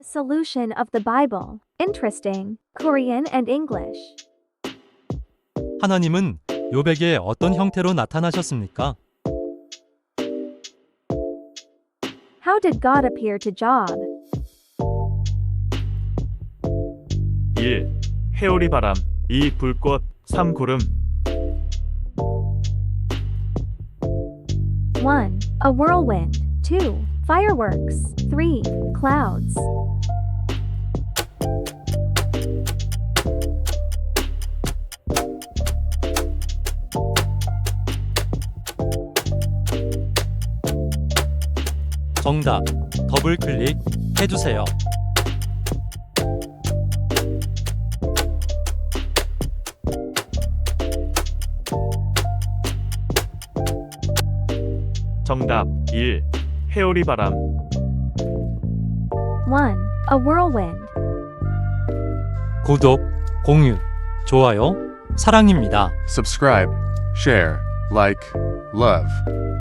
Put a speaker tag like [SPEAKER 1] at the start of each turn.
[SPEAKER 1] Solution of the Bible. Interesting. Korean and English.
[SPEAKER 2] 하나님은 욥에게 어떤 형태로 나타나셨습니까?
[SPEAKER 1] How did God appear to Job?
[SPEAKER 3] 1. 해오리 바람 2. 불꽃 3. 구름
[SPEAKER 1] 1. A whirlwind. 2. Fireworks. 3. Clouds.
[SPEAKER 2] 정답. 더블 클릭 해주세요.
[SPEAKER 3] 정답 1. 해오리 바람
[SPEAKER 1] 1. A whirlwind.
[SPEAKER 2] 구독, 공유, 좋아요, 사랑입니다.
[SPEAKER 4] Subscribe, share, like, love.